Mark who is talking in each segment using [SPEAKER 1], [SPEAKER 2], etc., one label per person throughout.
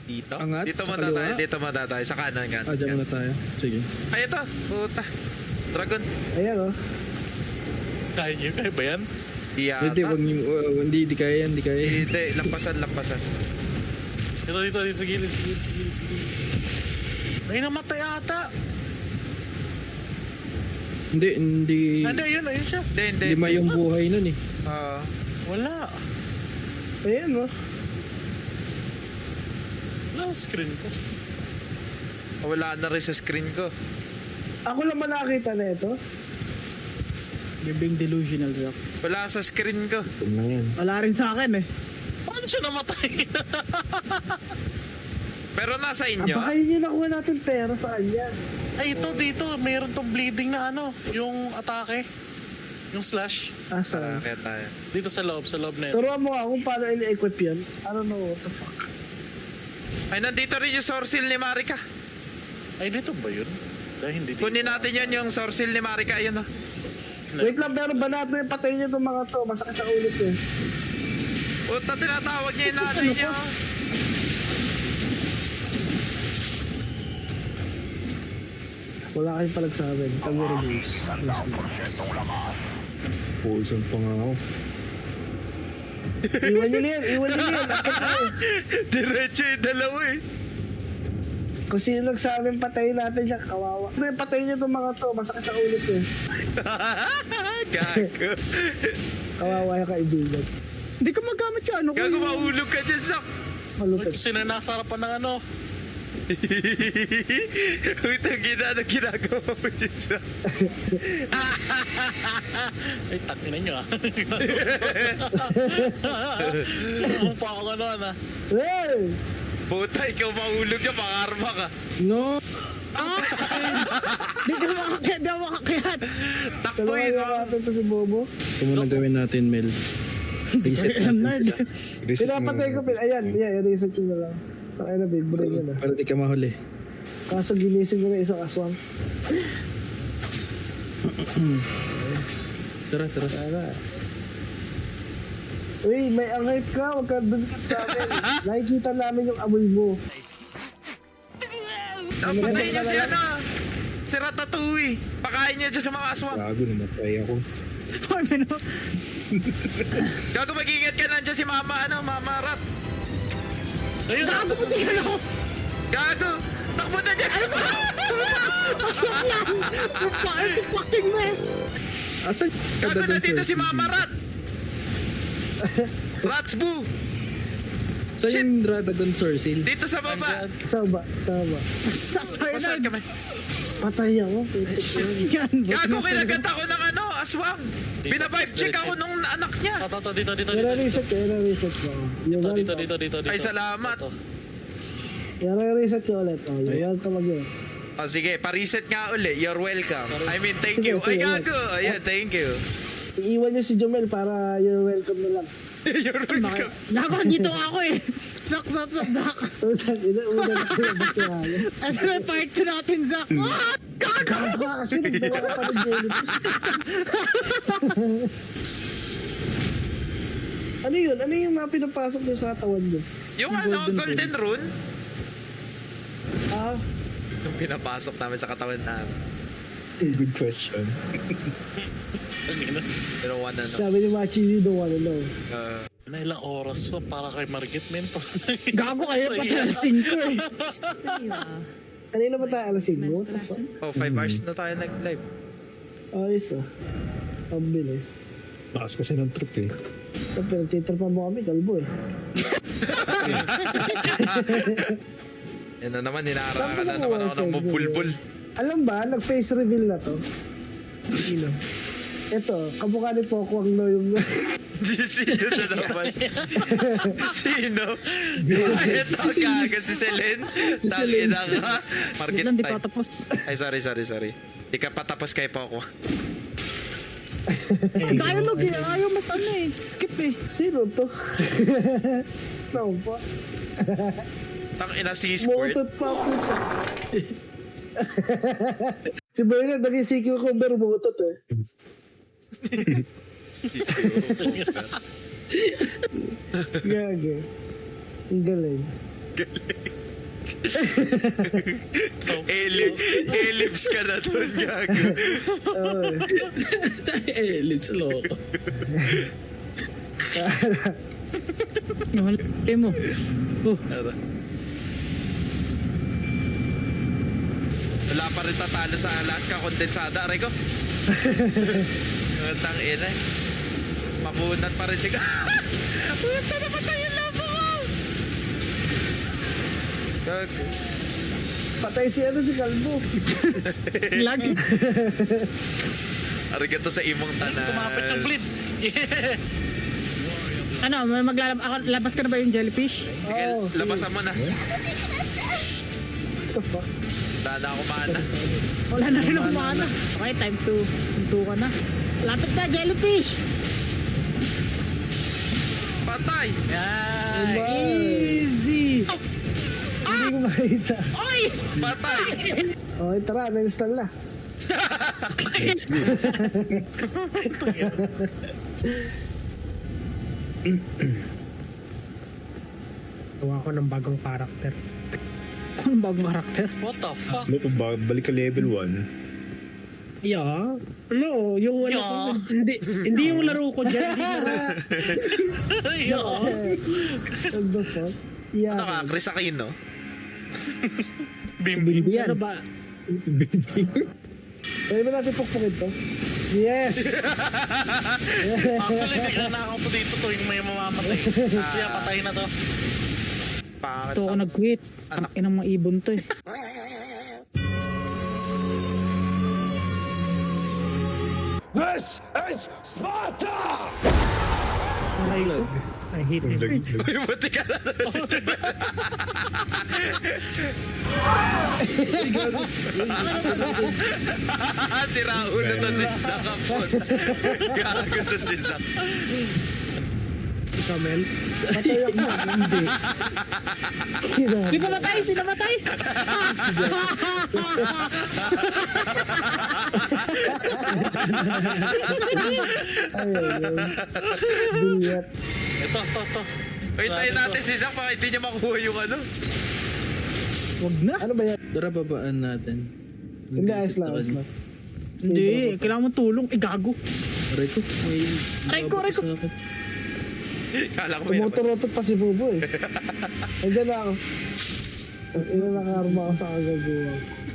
[SPEAKER 1] Dito?
[SPEAKER 2] Angat,
[SPEAKER 1] Dito
[SPEAKER 2] sa
[SPEAKER 1] muna tayo,
[SPEAKER 2] kaliwa.
[SPEAKER 1] dito muna tayo. Sa kanan, kanan.
[SPEAKER 2] Diyan muna tayo. Sige.
[SPEAKER 1] Ay, ito. Puta. Dragon.
[SPEAKER 3] Ayan oh.
[SPEAKER 4] Kaya nyo, kaya ba yan?
[SPEAKER 1] Iyata.
[SPEAKER 2] Hindi, wag niyo, hindi kaya yan, hindi kaya yan.
[SPEAKER 1] Hindi, lampasan, lampasan.
[SPEAKER 4] Dito, sa gilid, sa gilid. May namatay ata.
[SPEAKER 2] Hindi,
[SPEAKER 4] Hindi, ayun siya.
[SPEAKER 1] Hindi.
[SPEAKER 2] lima yung buhay nun eh.
[SPEAKER 4] Wala.
[SPEAKER 3] Ayan oh.
[SPEAKER 4] Wala ang screen ko.
[SPEAKER 1] Wala na rin sa screen ko.
[SPEAKER 3] Ako lang ba nakakita na ito?
[SPEAKER 5] You're being delusional, Zach.
[SPEAKER 1] Wala sa screen ko.
[SPEAKER 5] Wala rin sa akin eh.
[SPEAKER 4] Paano siya namatay?
[SPEAKER 1] Pero nasa inyo.
[SPEAKER 3] Baka yun yung nakuha natin pera sa kanya.
[SPEAKER 4] Ay, ito, dito. Mayroon tong bleeding na ano. Yung atake. Yung slash.
[SPEAKER 3] Asa?
[SPEAKER 1] Kaya tayo.
[SPEAKER 4] Dito sa loob na yun.
[SPEAKER 3] Turuan mo nga kung paano ini-equip yun. I don't know what the fuck.
[SPEAKER 1] Ay, nandito rin yung sorsil ni Marika.
[SPEAKER 4] Ay, dito ba yun? Dahil hindi dito.
[SPEAKER 1] Kunin natin yan, yung sorsil ni Marika. Ayun, oh.
[SPEAKER 3] Wait lang, pero banat na yung patay niyo itong mga to. Masakit ang ulit eh.
[SPEAKER 1] Puta, tinatawag niya yung nanay niya. oh.
[SPEAKER 3] Wala kayong palagsabi. Kami release.
[SPEAKER 2] Poison pa nga ako.
[SPEAKER 3] Iwan nyo na yan. Iwan nyo na yan. Akit na eh.
[SPEAKER 1] Diretso yung dalawa eh.
[SPEAKER 3] Kung sino nagsabi patayin natin yan, kawawa. Ano yung patayin niyo itong mga to. Masakit ang ulit eh.
[SPEAKER 1] Gago.
[SPEAKER 3] Kawawa yung kaibigan.
[SPEAKER 5] Hindi ko magamit yung ano ko.
[SPEAKER 1] Gago, mahulog ka dyan, Sak.
[SPEAKER 3] Malupit.
[SPEAKER 4] Kasi na nasa harapan ng ano.
[SPEAKER 1] Uy, ano ginagawa mo dyan, Sak?
[SPEAKER 4] Ay, takinan nyo ah. Sumupa ako gano'n ah.
[SPEAKER 3] Hey!
[SPEAKER 1] Puta, ikaw mahulog dyan, makarma ka.
[SPEAKER 2] No!
[SPEAKER 5] Hindi ko makakayat, hindi ako makakayat.
[SPEAKER 1] Takbo
[SPEAKER 3] Kailangan
[SPEAKER 1] yun,
[SPEAKER 3] yung natin to si Bobo.
[SPEAKER 2] Ito muna gawin natin, Mel. Reset
[SPEAKER 5] I'm
[SPEAKER 2] natin.
[SPEAKER 5] nerd.
[SPEAKER 3] Pinapatay ko. Ayan, reset ko na lang. Takay na, big brain yun ah.
[SPEAKER 2] Para di ka mahuli.
[SPEAKER 3] Kaso ginising ko na isang aswang.
[SPEAKER 2] Tara.
[SPEAKER 3] Tara. Uy, may angay ka. Huwag ka dumikit sa amin. Nakikita namin yung amoy mo.
[SPEAKER 1] Patayin niyo si ano. Si Ratatouille. Pakain niyo dyan sa mga aswang.
[SPEAKER 2] Gago, namatay ako.
[SPEAKER 5] Ay, mino.
[SPEAKER 1] Gago, mag-ingat ka nandiyan si Mama, Mama Rat.
[SPEAKER 4] Ayun,
[SPEAKER 5] Gago mo din ano?
[SPEAKER 1] Gago, takbo na dyan.
[SPEAKER 5] Aswak yan! You're fucking mess!
[SPEAKER 2] Asan?
[SPEAKER 1] Gago, nandito si Mama Rat. Ratsbu.
[SPEAKER 2] Saan yung Dragon Sorcil?
[SPEAKER 1] Dito sa baba.
[SPEAKER 3] Sama.
[SPEAKER 1] Pasal kami.
[SPEAKER 3] Patay ako.
[SPEAKER 5] Yan,
[SPEAKER 1] Gago, kinagat ako ng aswang. Binabive check ako nung anak niya.
[SPEAKER 4] Dito.
[SPEAKER 3] Reset ko. You're welcome.
[SPEAKER 4] Dito.
[SPEAKER 1] Ay, salamat.
[SPEAKER 4] Ito.
[SPEAKER 3] Reset ko ulit. Oh, you're welcome again.
[SPEAKER 1] O sige, pa-reset nga uli. You're welcome. I mean, thank
[SPEAKER 3] Sige,
[SPEAKER 1] you. Ay,
[SPEAKER 3] sige,
[SPEAKER 1] gago. Ayan, thank you.
[SPEAKER 3] Iiwan niyo si Jomel para you're welcome na lang.
[SPEAKER 1] You're welcome.
[SPEAKER 5] Gago, dito ako eh. Zak.
[SPEAKER 3] Unang ko yung basta halos.
[SPEAKER 5] Ito na yung part 2 natin, Zak. Ah! Gago!
[SPEAKER 3] Gago kasi nagdala ka pa ng jellyfish. Ano yun? Ano yung mga pinapasok niyo sa katawan niyo?
[SPEAKER 1] Yung golden rune.
[SPEAKER 3] Ah,
[SPEAKER 1] Yung pinapasok namin sa katawan namin.
[SPEAKER 2] Good question.
[SPEAKER 1] Pero one ano.
[SPEAKER 3] sabi ni Machi, you don't wanna know.
[SPEAKER 4] Na ilang oras pa para kay Margit, men.
[SPEAKER 5] Gago kayo patalasin ko eh.
[SPEAKER 3] Kanina ba tayo alas 5?
[SPEAKER 1] Oh, 5 hours na tayo nag-live.
[SPEAKER 3] Ayos ah. Ang bilis.
[SPEAKER 2] Lakas kasi ng trip eh.
[SPEAKER 3] Pero titripan mo kami, kalbo eh.
[SPEAKER 1] Yan na naman, hinaharangan na naman ako ng mabulbul.
[SPEAKER 3] Alam ba, nag-face reveal na to. Sino? Ito, kamukha ni Pokwang no yung...
[SPEAKER 1] Sino na naman? Sino? Ito, gaga si Selen. Tangina ka. Market
[SPEAKER 5] Wait lang, di pa
[SPEAKER 1] time.
[SPEAKER 5] tapos.
[SPEAKER 1] Ay, sorry. Di ka patapos kay Poco.
[SPEAKER 5] Dialogue eh. Ayaw mas ano eh. Skip eh.
[SPEAKER 3] Sino to? Naon pa?
[SPEAKER 1] Tangina si Squirt.
[SPEAKER 3] Mutot pa ako. Si Bernard, naging CQ ko, pero mutot eh. Gage. Ang galing.
[SPEAKER 1] Ellipse ka na doon, gago.
[SPEAKER 2] Lips loko.
[SPEAKER 5] Nahalay mo. Oh,
[SPEAKER 1] Wala pa rin tatalo sa Alaska kondensada, aray ko. Ang ina eh. Mapunat pa rin siya. Punta na patay yung labo ko! Gago.
[SPEAKER 3] Patay si Kalbo.
[SPEAKER 5] lag.
[SPEAKER 1] Arigato sa imong tanan.
[SPEAKER 4] Kumapit yung blitz. Yeah.
[SPEAKER 5] Ano, labas ka na ba yung jellyfish?
[SPEAKER 1] Sige,
[SPEAKER 3] Oh, sige.
[SPEAKER 1] labasan mo na.
[SPEAKER 3] What the fuck?
[SPEAKER 1] Dada ako mana.
[SPEAKER 5] Wala na rin ako mana. Okay, time to sunto ka na. Lapit na, jellyfish!
[SPEAKER 1] Patay!
[SPEAKER 4] Yan.
[SPEAKER 5] Easy!
[SPEAKER 3] Hindi ko makita.
[SPEAKER 5] Oy!
[SPEAKER 1] Patay!
[SPEAKER 3] Okay, tara, na-install na.
[SPEAKER 6] Gawa ko ng bagong karakter.
[SPEAKER 5] Anong bagong karakter?
[SPEAKER 4] What the fuck?
[SPEAKER 2] Ano kung balik ka level 1?
[SPEAKER 6] Yeah. Ano, yung wala
[SPEAKER 4] Yeah.
[SPEAKER 6] ko, hindi yung laro ko dyan. Hindi laro.
[SPEAKER 3] What the fuck? Yeah.
[SPEAKER 1] Ano ka, Chris Aquino?
[SPEAKER 3] Hindi yan.
[SPEAKER 6] Ano ba?
[SPEAKER 3] Pwede ba natin pukpukin to? Yes!
[SPEAKER 4] Actually, bigla na ako po dito tuwing may mamamatay. Siya, patay na to.
[SPEAKER 1] Pangit
[SPEAKER 5] Ito ako
[SPEAKER 1] na.
[SPEAKER 5] nag-quit. Ang inang mga ibon to eh.
[SPEAKER 6] Aray ko. I hate it.
[SPEAKER 1] Uy, buti ka na. Si Raul na to si Zac Kapot. Gago to si Zac.
[SPEAKER 6] Ikaw, Mel.
[SPEAKER 3] Patay ako.
[SPEAKER 5] Hindi.
[SPEAKER 3] Kina-
[SPEAKER 5] Di ba matay? Sino matay?
[SPEAKER 3] Ay, ay, ay. Bilyat.
[SPEAKER 4] Ito.
[SPEAKER 1] Wait, tayo natin si Zac baka hindi niya makuha yung ano.
[SPEAKER 5] Wag na.
[SPEAKER 3] Ano ba yan?
[SPEAKER 2] Tara, babaan natin.
[SPEAKER 3] Hindi, ayos lang, ayos lang.
[SPEAKER 5] Hindi, kailangan mo tulong. Gago.
[SPEAKER 2] Aray ko, may...
[SPEAKER 5] Aray ko, aray ko.
[SPEAKER 1] Kala ko may naman.
[SPEAKER 3] Tumuturotot pa si Bubo eh. Nandiyan na ako. Ang ina nakarma ako sa kagagawa.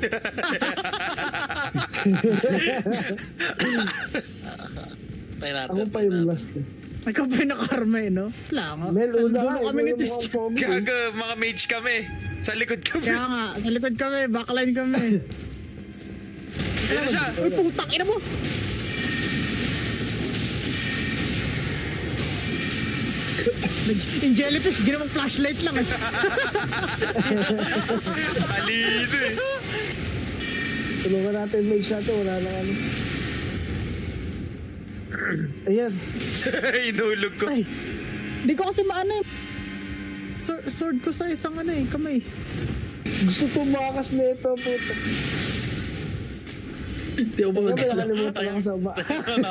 [SPEAKER 4] Tayo natin.
[SPEAKER 3] Ako pa yung last eh.
[SPEAKER 5] Ikaw pa yung nakarma eh, no? Wala nga.
[SPEAKER 3] Mel,
[SPEAKER 5] Sa
[SPEAKER 3] una
[SPEAKER 5] dulo
[SPEAKER 3] ka.
[SPEAKER 5] kami ni
[SPEAKER 3] Ikaw yung
[SPEAKER 5] Tis.
[SPEAKER 3] mukhang pogi eh.
[SPEAKER 1] Gago, mga mage kami. Sa likod kami.
[SPEAKER 5] Kaya nga, sa likod kami, backline kami.
[SPEAKER 1] Ayun siya.
[SPEAKER 5] Uy, putang ina mo! Yung jellyfish, ginawang flashlight lang eh.
[SPEAKER 1] Talino eh.
[SPEAKER 3] Tulungan natin may shot eh. Wala nang ano. Ayan.
[SPEAKER 1] Inulog ko.
[SPEAKER 5] Ay, hindi ko kasi maano eh. Sword ko sa isang ano eh, kamay.
[SPEAKER 3] Gusto tumakas na ito, puto.
[SPEAKER 2] Hindi ako
[SPEAKER 3] Kaya may
[SPEAKER 2] makagala.
[SPEAKER 3] nakalimutan ako sa ba.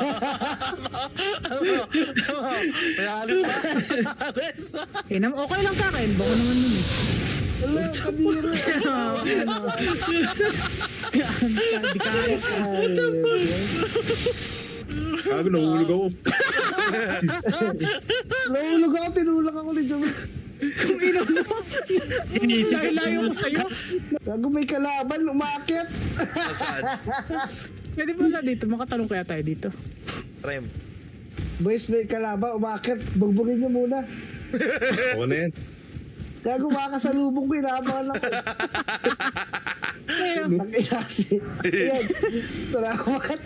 [SPEAKER 4] May alis pa. Alis.
[SPEAKER 5] Okay lang sa akin, baka naman yun eh.
[SPEAKER 3] Wala, kabira.
[SPEAKER 5] Di kaya.
[SPEAKER 2] Gago, nahulog ako.
[SPEAKER 3] Nahulog ako, tinulak ako ni Jomel.
[SPEAKER 5] Kung ino mo, layo ko sa'yo.
[SPEAKER 3] Gago may kalaban, umakyat.
[SPEAKER 1] Saan?
[SPEAKER 5] Pwede ba na dito, makatalong kaya tayo dito.
[SPEAKER 1] Rem.
[SPEAKER 3] Boys, may kalaban, umakyat. Bugbugin niyo muna.
[SPEAKER 2] Ako na yan.
[SPEAKER 3] Gago, makasalubong ko, inaabangan ako. Nakiyasi. Ayan, salamat.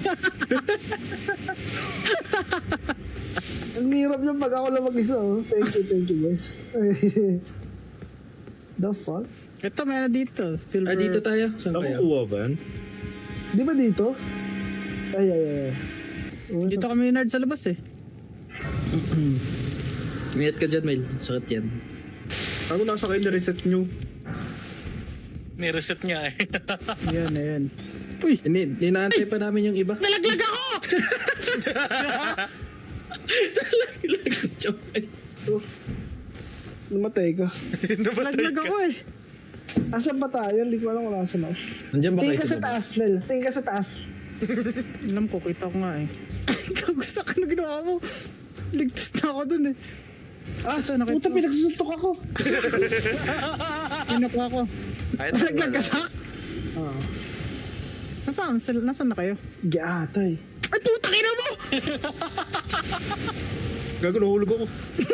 [SPEAKER 3] Ang hirap niya pag ako lang mag-isa, oh. Thank you, guys. The fuck?
[SPEAKER 5] Ito, meron dito. Silver.
[SPEAKER 2] Dito tayo. Saan kaya? Nakukuha ba yan?
[SPEAKER 3] Di ba dito? Ay.
[SPEAKER 5] Dito kami nerd sa labas eh.
[SPEAKER 2] Mayat ka dyan, Mel. Sakit yan. Ako nasa kayo na-reset nyo.
[SPEAKER 4] Nireset niya eh.
[SPEAKER 5] Ayan. Uy!
[SPEAKER 2] Hindi, inaantay pa namin yung iba.
[SPEAKER 5] Nalaglag ako!
[SPEAKER 3] Namatay ka.
[SPEAKER 5] Nalaglag ako eh.
[SPEAKER 3] Asan ba tayo? Hindi ko alam kung nasan ako.
[SPEAKER 2] Nandiyan ba
[SPEAKER 3] Tingin
[SPEAKER 2] kayo
[SPEAKER 3] ka sa
[SPEAKER 2] baba?
[SPEAKER 3] taas, Mel. Tingin ka sa taas.
[SPEAKER 5] Alam ko, kita ko nga eh. Kagusak ano ginawa mo? Ligtas na ako dun eh.
[SPEAKER 3] Ah,
[SPEAKER 5] nakita
[SPEAKER 3] puta,
[SPEAKER 5] ko.
[SPEAKER 3] pinagsusuntok ako.
[SPEAKER 5] Kinukuha ko.
[SPEAKER 1] Ay,
[SPEAKER 5] Naglagasak?
[SPEAKER 3] Ah,
[SPEAKER 5] Nasaan na kayo?
[SPEAKER 3] giatay.
[SPEAKER 5] Ay, putang ina mo!
[SPEAKER 2] Gago, nahulog ako.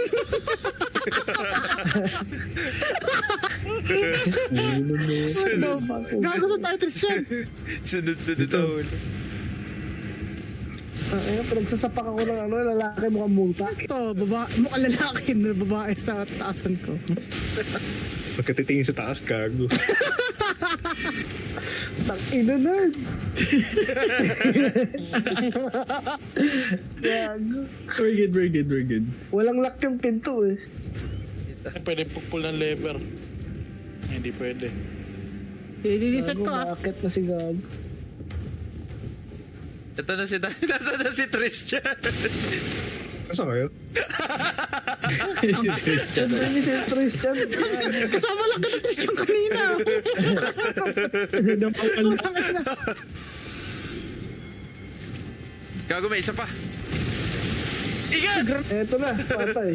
[SPEAKER 5] Gago sa tayo, Tristan.
[SPEAKER 1] Sunod-sunod na ulo.
[SPEAKER 3] Ayun, pinagsasapak ako ng ano, lalaki mukhang multa.
[SPEAKER 5] Ito, mukhang lalaki na babae sa taasan ko.
[SPEAKER 2] Pagkatitingin sa taas, gago.
[SPEAKER 3] Tang-ina na. Gago.
[SPEAKER 2] We're good.
[SPEAKER 3] Walang lock yung pinto eh.
[SPEAKER 4] Pwede pupul ng lever. Hindi pwede.
[SPEAKER 5] Liliset
[SPEAKER 3] Gago,
[SPEAKER 5] ko ah.
[SPEAKER 3] bakit na si Gago?
[SPEAKER 1] Ito na si Dani. Nasa na si Tristan.
[SPEAKER 2] Nasaan kayo?
[SPEAKER 3] Saan ni si Tristan?
[SPEAKER 5] Kasama lang ka na Tristan kanina.
[SPEAKER 1] Gago, may isa pa. Ingat!
[SPEAKER 3] Eto na, patay.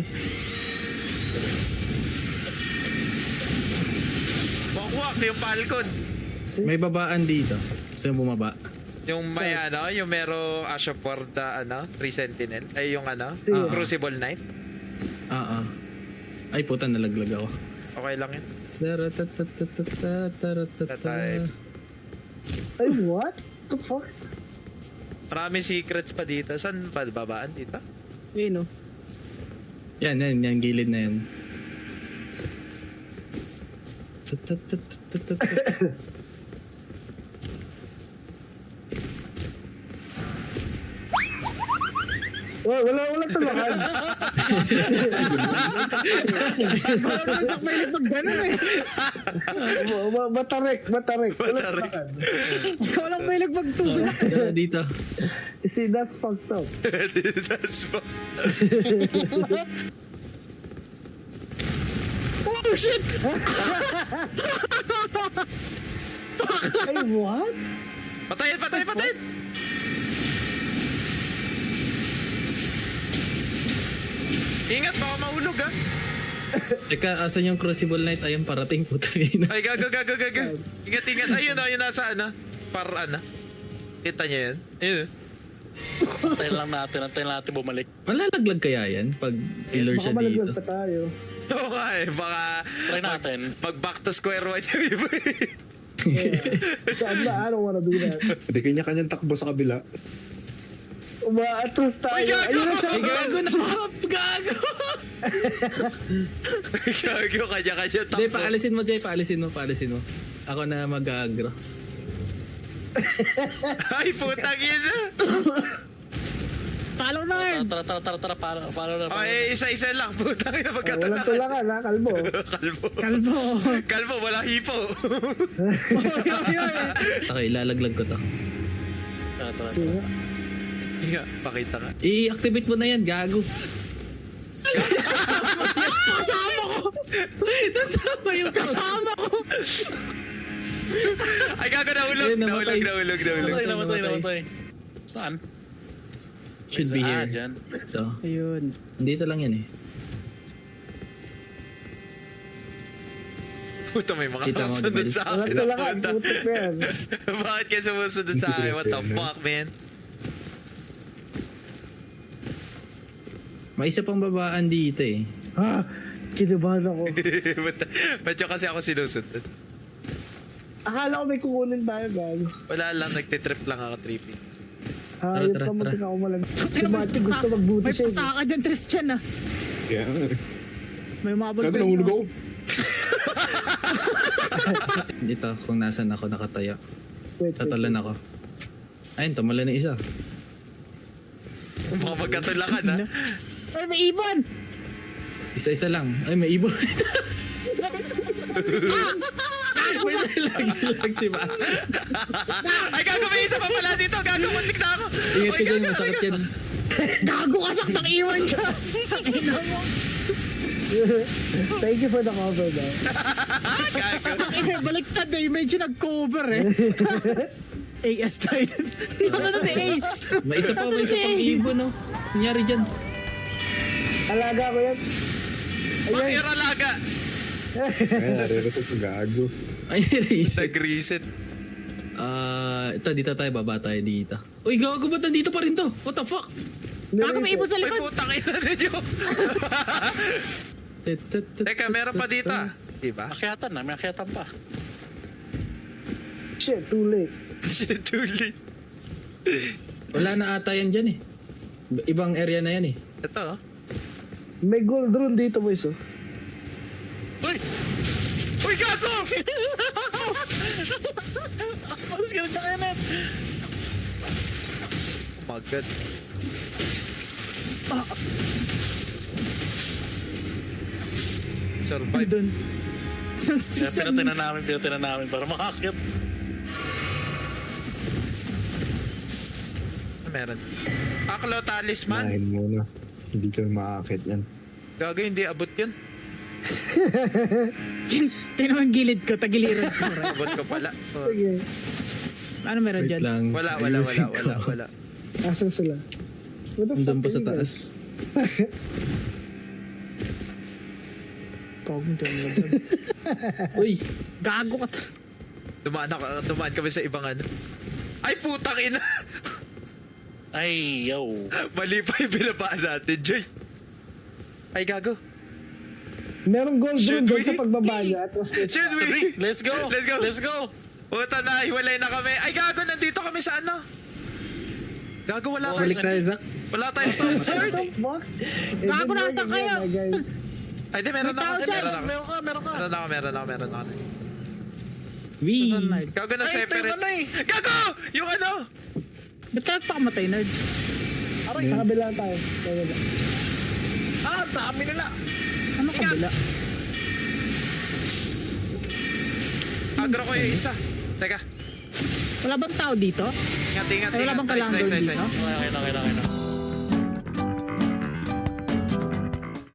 [SPEAKER 1] Wakwak yung Falcon.
[SPEAKER 2] May babaan dito. Gusto yung bumaba?
[SPEAKER 1] Yung may ano, yung mero Asha for the ano, 3 Sentinel. Ay yung ano,
[SPEAKER 3] Sige.
[SPEAKER 1] Crucible Knight.
[SPEAKER 2] Ay, puta, nalaglag ako.
[SPEAKER 1] Okay lang yun.
[SPEAKER 2] Taratatatatataratata.
[SPEAKER 3] Ay, what? The fuck?
[SPEAKER 1] Marami secrets pa dito. Saan ba babaan dito?
[SPEAKER 5] Ayun oh.
[SPEAKER 2] Yan, gilid na yan. Tatatatatatata.
[SPEAKER 3] Oh, wala talakan.
[SPEAKER 5] Parang may pag gano'n eh.
[SPEAKER 3] Matarek. Wala talakan.
[SPEAKER 5] Ikaw lang may pagtulak.
[SPEAKER 2] Tara dito.
[SPEAKER 3] See, that's fucked up.
[SPEAKER 1] That's what...
[SPEAKER 5] Oh shit!
[SPEAKER 3] Ay, what?
[SPEAKER 1] Patayin! Ingat, baka mahulog ha.
[SPEAKER 2] Teka, asan yung Crucible Knight? Ayun, parating, puta ina.
[SPEAKER 1] Ay, gago. Ingat. Ayun o, yun nasa ano. Para ano. Kita niyo yan? Ayun.
[SPEAKER 4] Antayin natin bumalik.
[SPEAKER 2] Malalaglag kaya yan pag iler
[SPEAKER 3] Baka
[SPEAKER 2] siya dito?
[SPEAKER 3] malaglag pa tayo.
[SPEAKER 1] Oo nga eh, baka...
[SPEAKER 4] Try natin.
[SPEAKER 1] Pag back to square one yung iba eh.
[SPEAKER 3] So, I don't wanna do that.
[SPEAKER 2] Hindi kanya-kanyang takbo sa kabila.
[SPEAKER 3] Umaatras tayo.
[SPEAKER 1] Ay, gago!
[SPEAKER 3] Ayun na siya.
[SPEAKER 2] Ay, gago na! Gago!
[SPEAKER 1] Gago, kanya-kanya takbo.
[SPEAKER 2] Hindi, paalisin mo, Jay. Paalisin mo. Ako na mag-agro.
[SPEAKER 1] Ay, putang ina.
[SPEAKER 5] Follow na yun.
[SPEAKER 4] Tara, follow na.
[SPEAKER 1] Ay, isa-isa lang. Putang ina,
[SPEAKER 3] Walang
[SPEAKER 1] magkatalakan.
[SPEAKER 3] tulakan ha, kalbo.
[SPEAKER 5] Kalbo.
[SPEAKER 1] Kalbo, wala hipo.
[SPEAKER 2] Okay, ilalaglag ko to.
[SPEAKER 4] Tara.
[SPEAKER 3] Sige.
[SPEAKER 1] Nga, pakita nga.
[SPEAKER 2] I-activate mo na yan, gago. Nasama yung
[SPEAKER 5] Kasama ko.
[SPEAKER 1] Ay, gago, nahulog.
[SPEAKER 2] Ayun, namatay.
[SPEAKER 4] Namatay. Saan?
[SPEAKER 2] Should be here.
[SPEAKER 4] Dyan.
[SPEAKER 2] Ito.
[SPEAKER 5] Ayun.
[SPEAKER 2] Dito lang yan eh.
[SPEAKER 1] Puta, may mga
[SPEAKER 2] Kita mo,
[SPEAKER 1] sunod
[SPEAKER 2] diba?
[SPEAKER 1] sa
[SPEAKER 3] Walang
[SPEAKER 1] akin.
[SPEAKER 3] tulakan.
[SPEAKER 1] Puta.
[SPEAKER 3] Putik na yan.
[SPEAKER 1] Bakit kayo sumusunod sa akin? What the fuck, man?
[SPEAKER 2] May isa pang babaan dito eh.
[SPEAKER 3] Ha? Kinabahan ako.
[SPEAKER 1] Medyo kasi ako sinusunod.
[SPEAKER 3] Akala ko may kukunin tayo, gago.
[SPEAKER 1] Wala lang, nagtitrip lang ako, tripping.
[SPEAKER 3] Hayop
[SPEAKER 2] Tara.
[SPEAKER 3] ka, matik ako malag. Si Mati gusto magbuti
[SPEAKER 5] May
[SPEAKER 3] siya.
[SPEAKER 5] pasaka dyan, Tristan ah.
[SPEAKER 2] Kaya
[SPEAKER 5] May umabol sa inyo.
[SPEAKER 2] Dito, kung nasan ako nakatayo.
[SPEAKER 3] Wait.
[SPEAKER 2] Tatalan ako. Ayun, tumala na isa.
[SPEAKER 1] Baka magkatulakan, ha?
[SPEAKER 5] Ay, may ibon.
[SPEAKER 2] Isa-isa lang. Ay, may ibon. May nalaglag si Ba.
[SPEAKER 1] Ay, gago, may isa pa pala dito. Gago, muntik na ako.
[SPEAKER 2] Ingat ka dyan, masakit yan.
[SPEAKER 5] Gago ka saktang iwan ka. Tangina mo.
[SPEAKER 3] Thank you for the cover, man.
[SPEAKER 1] Gago.
[SPEAKER 5] Tangina baliktad eh. Medyo nag-cover eh. AS tayo. Ano na si A?
[SPEAKER 7] May isa pang ibon, no? Nangyari dyan.
[SPEAKER 3] Alaga ko yan.
[SPEAKER 1] Bakit alaga?
[SPEAKER 2] Ay, nare-reset ko gago.
[SPEAKER 7] Ay, reset.
[SPEAKER 1] Nag-reset.
[SPEAKER 7] Ito, dito tayo, baba tayo dito. Uy, gago ba't nandito pa rin to? What the fuck?
[SPEAKER 5] Baka may ibon sa
[SPEAKER 1] Ay,
[SPEAKER 5] likod.
[SPEAKER 1] putang ina ninyo. Teka, meron pa dito. Diba?
[SPEAKER 4] Akyatan na, may akyatan pa.
[SPEAKER 3] Shit, too late.
[SPEAKER 1] Shit, too late.
[SPEAKER 7] Wala na ata yan dyan eh. Ibang area na yan eh.
[SPEAKER 1] Ito, oh.
[SPEAKER 3] May gold rune dito, boys, oh.
[SPEAKER 4] Uy!
[SPEAKER 1] Uy, gago!
[SPEAKER 4] Alis ka na siya kayanet!
[SPEAKER 1] Oh my God. Survive.
[SPEAKER 5] Doon.
[SPEAKER 4] Kaya pinatinan namin para makakit.
[SPEAKER 1] Ano meron? Aklo talisman?
[SPEAKER 2] Nahin muna. Hindi ka maakit yan.
[SPEAKER 1] Gago, hindi abot yun.
[SPEAKER 5] Tingnan mo yung gilid ko, tagiliran ko.
[SPEAKER 1] Abot ko pala. Oh.
[SPEAKER 3] Sige.
[SPEAKER 5] Ano meron
[SPEAKER 7] Wait
[SPEAKER 5] dyan?
[SPEAKER 7] lang.
[SPEAKER 1] Wala.
[SPEAKER 7] Ayusin ko.
[SPEAKER 3] Asan sila? What the
[SPEAKER 7] Nandun
[SPEAKER 3] fuck
[SPEAKER 7] pa sa
[SPEAKER 3] are you guys?
[SPEAKER 7] taas.
[SPEAKER 5] Kogong dyan mo dyan.
[SPEAKER 7] Uy,
[SPEAKER 5] Gago ka.
[SPEAKER 1] Dumaan kami sa ibang ano. Ay, putang ina!
[SPEAKER 4] Ay, yo.
[SPEAKER 1] Mali pa yung binabaan natin, Joy. Ay, gago.
[SPEAKER 3] Merong gold
[SPEAKER 1] Should
[SPEAKER 3] rune doon
[SPEAKER 1] we?
[SPEAKER 3] sa pagbaba niya. Tapos
[SPEAKER 1] Should we?
[SPEAKER 4] Three, let's go!
[SPEAKER 1] Let's go.
[SPEAKER 4] Let's go!
[SPEAKER 1] Puta na, hiwalay na kami. Ay, gago, nandito kami sa ano? Gago, wala
[SPEAKER 7] balik
[SPEAKER 1] tayo.
[SPEAKER 7] tayo, Zach.
[SPEAKER 1] Wala tayo stone
[SPEAKER 3] What
[SPEAKER 1] sword.
[SPEAKER 3] the fuck?
[SPEAKER 5] Gago na ata kayo.
[SPEAKER 1] Ay, di, meron
[SPEAKER 5] May
[SPEAKER 1] na
[SPEAKER 5] tao
[SPEAKER 1] ako.
[SPEAKER 5] dyan.
[SPEAKER 1] Meron ako. Meron ako.
[SPEAKER 7] Wee!
[SPEAKER 1] Gago na
[SPEAKER 4] Ay,
[SPEAKER 1] separate.
[SPEAKER 4] tayo na eh.
[SPEAKER 1] Gago! Yung ano?
[SPEAKER 5] Ba't ka nagpakamatay, nerd?
[SPEAKER 3] Sa kabila tayo. Sa kabila.
[SPEAKER 1] Ah, dami nila.
[SPEAKER 5] Ano kabila?
[SPEAKER 1] Agro ko yung isa. Teka.
[SPEAKER 5] Wala bang tao dito?
[SPEAKER 1] Ingat.
[SPEAKER 5] Ay, wala bang kailangan
[SPEAKER 1] Nice.
[SPEAKER 5] doon dito?
[SPEAKER 4] Okay na.